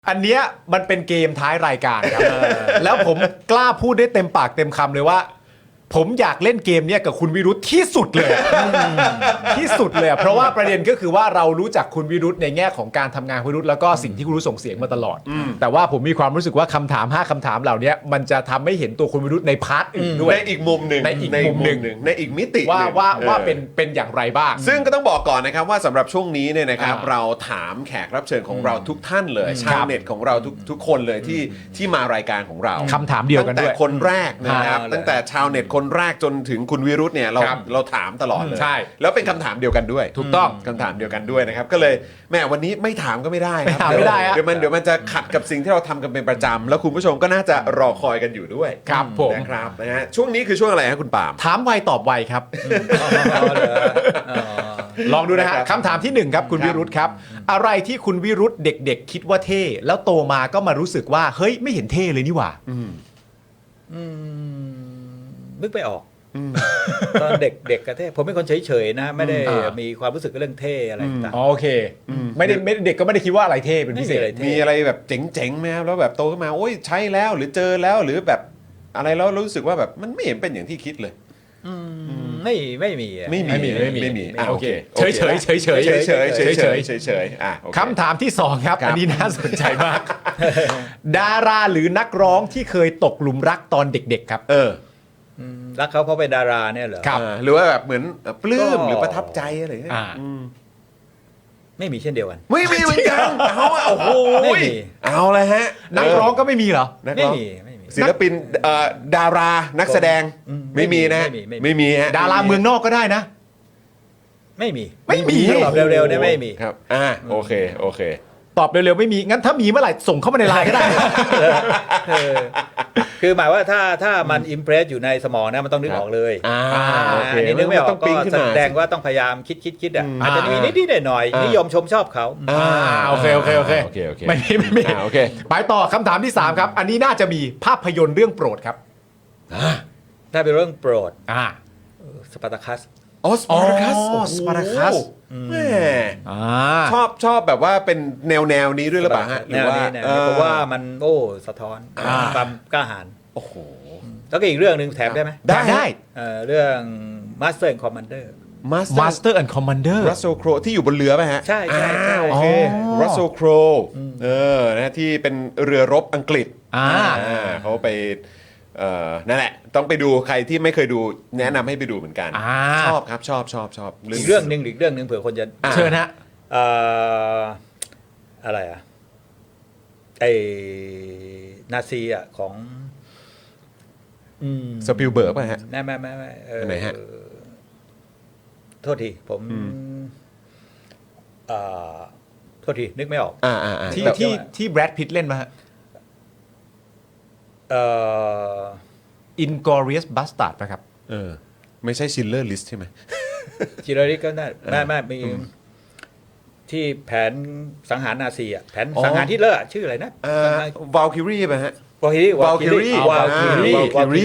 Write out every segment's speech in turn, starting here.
อันเนี้ยมันเป็นเกมท้ายรายการครับ แล้วผมกล้าพูดได้เต็มปากเต็มคำเลยว่า ผมอยากเล่นเกมเนี้ยกับคุณวิรุธที่สุดเลยที่สุดเลยเพราะว่าประเด็นก็คือว่าเรารู้จักคุณวิรุธในแง่ของการทำงานคุณวิรุธแล้วก็สิ่งที่คุณวิรุธส่งเสียงมาตลอด แต่ว่าผมมีความรู้สึกว่าคำถาม5คำถามเหล่านี้มันจะทำให้เห็นตัวคุณวิรุธในพาร์ทอื่นด้วยในอีกมุมหนึ่งในอีกมุมหนึ่งในอีกมิติว่าเป็นอย่างไรบ้างซึ่งก็ต้องบอกก่อนนะครับว่าสำหรับช่วงนี้เนี่ยนะครับอ่าเราถามแขกรับเชิญของเราทุกท่านเลยชาวเน็ตของเราทุกคนเลยที่มารายการของเราคำถามเดียวกันด้วยตั้งแต่คนแรกนะครับ ตั้งแต่ชาวเน็ตคนแรกจนถึงคุณวิรุธเนี่ยเราถามตลอดเลยใช่แล้วเป็นคำถามเดียวกันด้วยถูกต้องคำถามเดียวกันด้วยนะครับก็เลยแม่วันนี้ไม่ถามก็ไม่ได้ครับไม่ถามไม่ได้ฮะเดี๋ยวมันจะขัดกับสิ่งที่เราทำกันเป็นประจำแล้วคุณผู้ชมก็น่าจะรอคอยกันอยู่ด้วยครับผมนะครับนะฮะช่วงนี้คือช่วงอะไรฮะคุณปาล์มถามไวตอบไวครับ ลองดูนะฮะนะครับคำถามที่ 1 ครับคุณครับวิรุธครับ อะไรที่คุณวิรุธเด็กๆ คิดว่าเท่ แล้วโตมาก็มารู้สึกว่าเฮ้ยไม่เห็นเท่เลยนี่หว่านึกไม่ออกตอนเด็กๆกระเท่ผมเป็นคนเฉยๆนะ ไม่ได้อ่ามีความรู้สึกเรื่องเท่อะไรต่างอ๋อโอเคไม่ได้เด็กก็ไม่ได้คิดว่าอะไรเท่เป็นพิเศษไม่มีอะไรเท่มีอะไรแบบเจ๋งๆไหมครับแล้วแบบโตขึ้นมาโอ้ยใช้แล้วหรือเจอแล้วหรือแบบอะไรแล้วรู้สึสึกว่าแบบมันไม่เห็นเป็นอย่างที่คิดเลยไม่มีอะไม่มีอ่ะโอโอเคเคเฉยๆเฉยๆเฉยๆเฉยๆอ่ะโอเคคำถามที่ 2 ครับครับอันนี้น่าสนใจมาก ดาราหรือนักร้องที่เคยตกหลุมรักตอนเด็กๆครับรักเขาเพราะเป็นดาราเนี่ยเหรอครับหรือว่าแบบเหมือนปลื้มก็หรือประทับใจอะไรอย่างเงี้ยอ่าไม่มีเช่นเดียวกันไม่มีเหมือนกันเอาอะโอ้โหไม่มีเอาเลยฮะนักร้องก็ไม่มีเหรอนักไม่ร้องมีไม่มีศิลปินดารานักแสดง ไม่มีนะไม่มีไม่มีฮะดาราเมืองนอกก็ได้นะไม่มีไม่มีตอบเร็วๆเนี่ยไม่มีครับโอเคตอบเร็วๆไม่มีงั้นถ้ามีเมื่อไหร่ส่งเข้ามาในไลน์ก็ได้เออคือหมายว่าถ้ามันอิมเพรสอยู่ในสมองนะมันต้องนึกออกเลยโอเคอันนี้นึกไม่ออกต้องก็ปิ๊งขึ้นแสมาดงว่าต้องพยายามคิดอ่ะอ่าอาจจะมีนิดๆหน่อยๆนิยมชมชอบเขาโอเคโอเคไม่มีโอเคไปต่อคำถามที่ 3 ครับ อันนี้น่าจะมีภาพยนตร์เรื่องโปรดครับถ้าเป็นเรื่องโปรดอ่าสปาร์ตาคัสอ๋อสปาร์คัสอ๋อ Spartacus แม่อ่าชอบแบบว่าเป็นแนวนี้ด้วยหรือเปล่าฮะหแนรือวว่านี้เนี่ยเพราะว่ามันสะท้อนความกล้าหาญโอ้โหแล้วก็อีกเรื่องหนึ่งแถมได้ไหมได้เรื่อง Master and Commander Master and Commander รัสโซโครที่อยู่บนเรือป่ะฮะใช่โอเคอ๋อรัสโซโครนะที่เป็นเรือรบอังกฤษ เขาไปนั่นแหละต้องไปดูใครที่ไม่เคยดูแนะนำให้ไปดูเหมือนกัน ชอบครับชอบอีกเรื่องหนึ่งเผื่อคนจะเชิญฮะเอ่ออะไรอ่ะไอ้นาซีอ่ะของสปิลเบิร์กป่ะฮะไม่ไหนฮะโทษทีผมโทษทีนึกไม่ออกที่แบรดพิตต์เล่นมาฮะ Inglourious Bastard นะครับไม่ใช่ชิลเลอร์ลิสใช่ไหมจิโรริก็ได้ไม่มีที่แผนสังหารนาซีอ่ะแผนสังหารฮิตเลอร์อะชื่ออะไรนะวาลคิรีป่ะฮะวาคิลี่วาลคิรี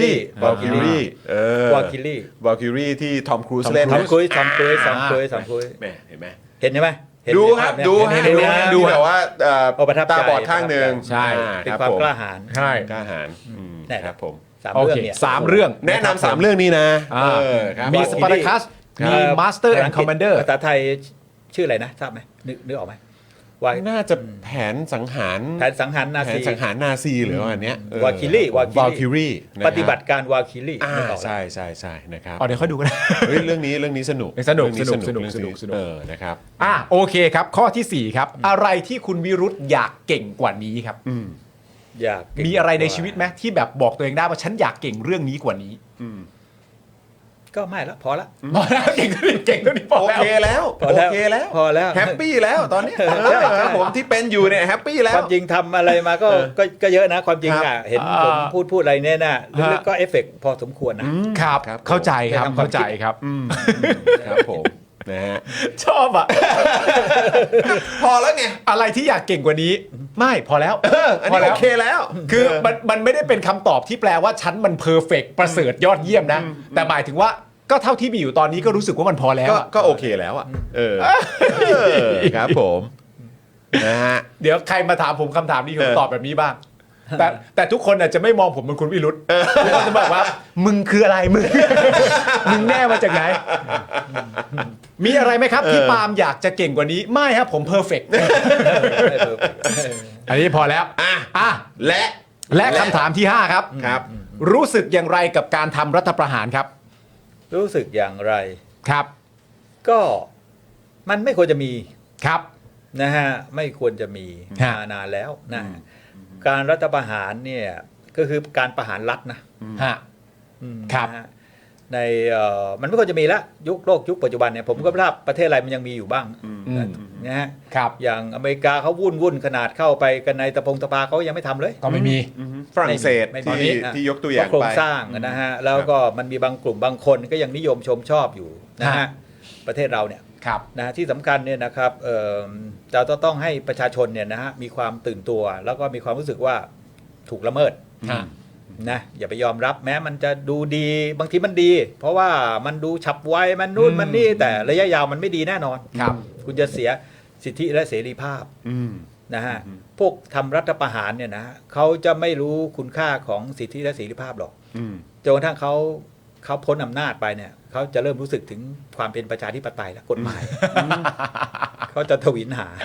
ที่ทอมครูซเล่นทอมครูซแม่เห็นไหมเห็นใช่ไหมดูครับดูฮะดูแบบว่าประทับใจตาบอดข้างหนึ่งใช่เป็นความกล้าหาญใช่กล้าหาญแน่ครับผม 3 โอเรื่องเคเนี่ย 3 เรื่องแนะนำ3 เรื่องนี้นะครับมี Spartacus มี Master and Commander ภาษาไทยชื่ออะไรนะทราบไหมนึกออกไหมว่าน่าจะแผนสังหารแผนสังหารนาแผนซีสังหารนาซีหรือว่าอันเนี้ยวาคิลี่วาลคิรีปฏิบัติการวาคิลี่ใช่นะครับเดี๋ยวค่อยดูกันเฮ้ยเรื่องนี้สนุกสนุกเรื่องสนุกนะครับโอเคครับ ข้อที่ 4 ครับ อะไรที่คุณวิรุธอยากเก่งกว่านี้ครับอยากเก่งมีอะไรในชีวิตไหมที่แบบบอกตัวเองได้ว่าฉันอยากเก่งเรื่องนี้กว่านี้ก็ไม่ละพอละพอแล้วเก่งเท่านี้พอโอแล้วเคแล้วพอแล้วโอเคแล้วพอแล้วแฮปปี้แล้วตอนนี้ครับผมที่เป็นอยู่เนี่ยแฮปปี้แล้คว วามจริงทำอะไรมาก็เยอะนะความจริงครัอ่ะบเห็นผมพูดอะไรเนี่ยนะลึกๆก็เอฟเฟกต์พอสมควรนะครับครับเข้าใจครับในทางความเข้าใจครับครับผมนะฮะชอบอ่ะพอแล้วไงอะไรที่อยากเก่งกว่านี้ ไม่พอแล้วอันนี้โอเคแล้วคือมันไม่ได้เป็นคำตอบที่แปลว่าฉันมันเพอร์เฟกต์ประเสริฐยอดเยี่ยมนะ แต่หมายถึงว่าก็เท่าที่มีอยู่ตอนนี้ก็รู้สึกว่ามันพอแล้วอะก็โอเคแล้วอ่ะครับผมนะฮะเดี๋ยวใครมาถามผมคำถามนี้ผมตอบแบบนี้บ้าง แต่ทุกคนอาจจะไม่มองผมเป็นคุณวิรุธทุกคนจะบอกว่า มึงคืออะไรมึง มึงแน่มาจากไหน มีอะไรไหมครับที่ปาล์มอยากจะเก่งกว่านี้ไม่ครับผมเพอร์เฟกต์อันนี้พอแล้วอ่ะ และคำถามที่ 5 ครับครับรู้สึกอย่างไรกับการทำรัฐประหารครับรู้สึกอย่างไรครับก็มันไม่ควรจะมีครับนะฮะไม่ควรจะมีฮะมานานแล้วนะการรัฐประหารเนี่ยก็คือการประหารรัฐนะฮะอืมครับนะฮะในมันไม่ควรจะมีละยุคโลกยุคปัจจุบันเนี่ยผมก็ไม่ทราบประเทศอะไรมันยังมีอยู่บ้างอืมนะฮะครับอย่างอเมริกาเขาวุ่นขนาดเข้าไปกันในตะปาเขายังไม่ทำเลยก็ไม่มีฝรั่งเศสไม่มีที่อ่ะที่ยกตัวอย่างเพระโครไปงสร้างนะฮะแล้วก็มันมีบางกลุ่มบางคนก็ยังนิยมชมชอบอยู่นะฮะฮะประเทศเราเนี่ยครับนะที่สำคัญเนี่ยนะครับเราต้องให้ประชาชนเนี่ยนะฮะมีความตื่นตัว แล้วก็มีความรู้สึกว่าถูกละเมิดฮะนะอย่าไปยอมรับแม้มันจะดูดีบางทีมันดี เพราะว่ามันดูฉับไวมันนู่นมันนี่แต่ระยะยาวมันไม่ดีแน่นอนครับคุณจะเสียสิทธิและเสรีภาพอืมนะฮะพวกทำรัฐประหารเนี่ยนะฮะเขาจะไม่รู้คุณค่าของสิทธิและเสรีภาพหรอกอืมจนกระทั่งเขาพ้นอำนาจไปเนี่ยเขาจะเริ่มรู้สึกถึงความเป็นประชาธิปไตยและกฎหมายเขาจะทวินหา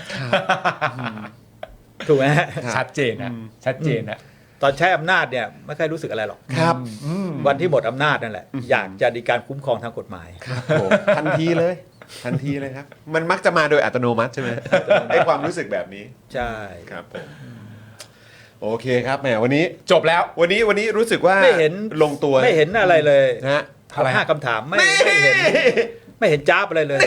ถูกไหมฮะชัดเจนนะชัดเจนนะตอนใช้อำนาจเนี่ยไม่ค่อยรู้สึกอะไรหรอกครับวันที่หมดอำนาจนั่นแหละอยากจะมีการคุ้มครองทางกฎหมายผมทันทีเลยครับ มันมักจะมาโดยอัตโนมัติใช่ไหมไอ้ความรู้สึกแบบนี้ใช่ครับผมโอเคครับแหมวันนี้จบแล้ววันนี้รู้สึกว่าไม่เห็นลงตัวไม่เห็นอะไรเลยนะฮะอะไรฮะห้าคำถามไม่เห็นไม่เห็นจ้าบอะไรเลย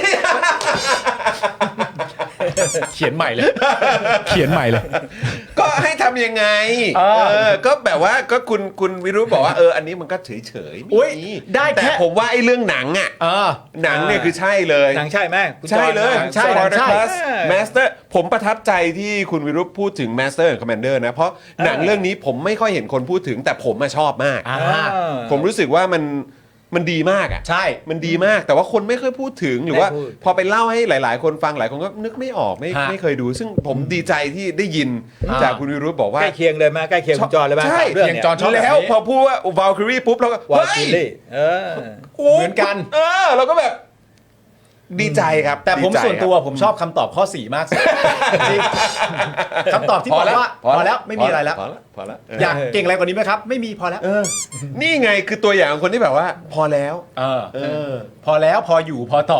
เขียนใหม่เลย เขียนใหม่เลยก็ให้ทำยังไง ก็แบบว่าก็คุณวิรุธบอกว่าอันนี้มันก็เฉยๆอุ๊ยมีได้แค่แต่ผมว่าไอ้เรื่องหนังอ่ะ หนังเนี่ยคือใช่เลยหนังใช่ไหมคุณจอใช่เลยหนังใช่ Spartacus Master ผมประทับใจที่คุณวิรุธพูดถึง Master and Commander นะ เพราะหนังเรื่องนี้ผมไม่ค่อยเห็นคนพูดถึงแต่ผมมาชอบมากอ่าผมรู้สึกว่ามันดีมากอ่ะใช่มันดีมากแต่ว่าคนไม่เคยพูดถึงหรือว่าไม่พูดพอไปเล่าให้หลาย ๆ คนฟังหลายคนก็นึกไม่ออกไม่ฮะไม่เคยดู ซึ่งผมดีใจที่ได้ยินจากคุณวิรุธบอกว่าใกล้เคียงเลยไหมใกล้เคียงคุณจอเลยไหมใช่เรื่องเนี่ยจอชอบแบบนี้แล้วพอพูดว่า Valkyrie ปุ๊บเราก็วาเฮ้คิยลี่อเหมือนกันเราก็แบบดีใจครับแต่ผมดีใจส่วนตัวครับผมชอบคำตอบข้อ 4 มากสุดจริงคำตอบที่บอกว่าพอแล้วไม่มีอะไรแล้วพอแล้วอยากเก่งอะไรกว่านี้ไหมครับ ไม่มีพอแล้วนี่ไงคือตัวอย่างของคนที่แบบว่า พอแล้วพอแล้วพออยู่พอต่อ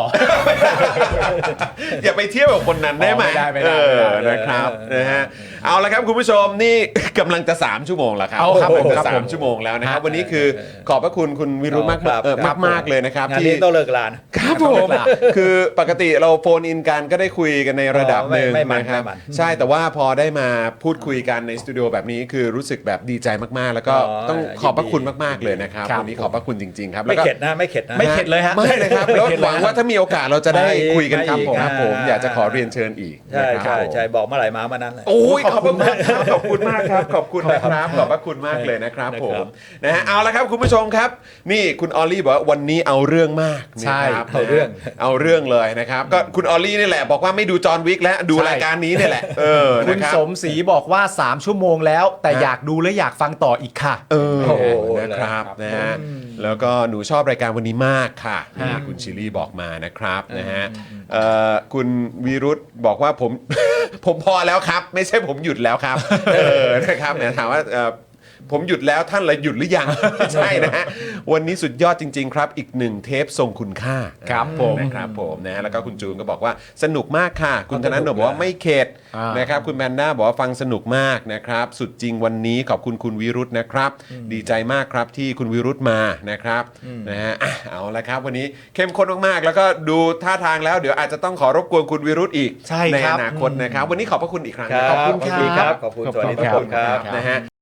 อย่าไปเที่ยวกับคนนั้นได้ไหมไม่ได้ไม่ได้ไม่ได้นะครับนะฮะเอาละครับคุณผู้ชมนี่ กำลังจะ3ชั่วโมงแล้วครับเอาครับผมจะครับผม 3ชั่วโมงแล้วนะครับฮะวันนี้คือขอบพระคุณคุณวิรุธมากครับมากเลยนะครับงานที่นี้ต้องเลิกลานะครับผมคือปกติเราโฟนอินกันก็ได้คุยกันในระดับหนึ่งไม่มันนะครับไม่มันใช่แต่ว่าพอได้มาพูดคุยกันในสตูดิโอแบบนี้คือรู้สึกแบบดีใจมากๆ แล้วก็อ๋อต้องขอบพระคุณยินดีมากๆเลยนะครับครับวันนี้ขอบพระคุณจริงๆครับไม่แล้วก็เข็ดนะไม่เข็ดนะไม่เข็ดเลยฮะไม่เลยครับแล้วหวังว่าถ้ามีโอกาสเราจะได้ไม่คุยกันไม่ครับอีกผมอ่าอยากจะขอเรียนเชิญอีกใช่นะครับใช่บอกเมื่อไหร่มาเมื่อนั้นเลยโอ้ยขอบคุณมากครับขอบคุณมากครับขอบคุณนะครับขอบพระคุณมากเลยนะครับผมนะฮะเอาละครับคุณผู้ชมครับ นี่คุณออลลี่บอกว่าวันนี้เอาเรื่องมากใช่นะครับเอาเรื่องเอาเรื่องเลยนะครับก็คุณออลลี่นี่แหละบอกว่าไม่ดูจอห์นวิกแล้วดูใช่รายการนี้นี่แหละคุนะณครับสมศรีบอกว่า 3 ชั่วโมงแล้ว แต่อยากดูและอยากฟังต่ออีกค่ะโอ้โอ้โหนะครับครับนะฮะแล้วก็หนูชอบรายการวันนี้มากค่ะฮะนี่คุณชิลลี่บอกมานะครับนะฮะคุณวีรุธบอกว่าผม ผมพอแล้วครับ ไม่ใช่ผมหยุดแล้วครับนะครับเนี่ยถามว่าผมหยุดแล้วท่านเลยหยุดหรือยัง ไม่ใช่นะฮะวันนี้สุดยอดจริง ๆ ครับอีกหนึ่งเทปทรงคุณค่าครับผมนะครับผมนะแล้วก็คุณจูนก็บอกว่าสนุกมากค่ะ คุณธนาโนบอกว่าไม่เข็ด นะครับคุณแมนด้าบอกว่าฟังสนุกมากนะครับสุดจริงวันนี้ขอบคุณคุณวิรุธนะครับดีใจมากครับที่คุณวิรุธมานะครับนะฮะเอาละครับวันนี้เข้มข้นมากๆแล้วก็ดูท่าทางแล้วเดี๋ยวอาจจะต้องขอรบกวนคุณวิรุธอีกใช่ในครัอบ นาคตนะครับวันนี้ขอบพระคุณอีกครั้งครับนะขอบคุณครับขอบคุณสวัสดีทุกคนครับนะฮะ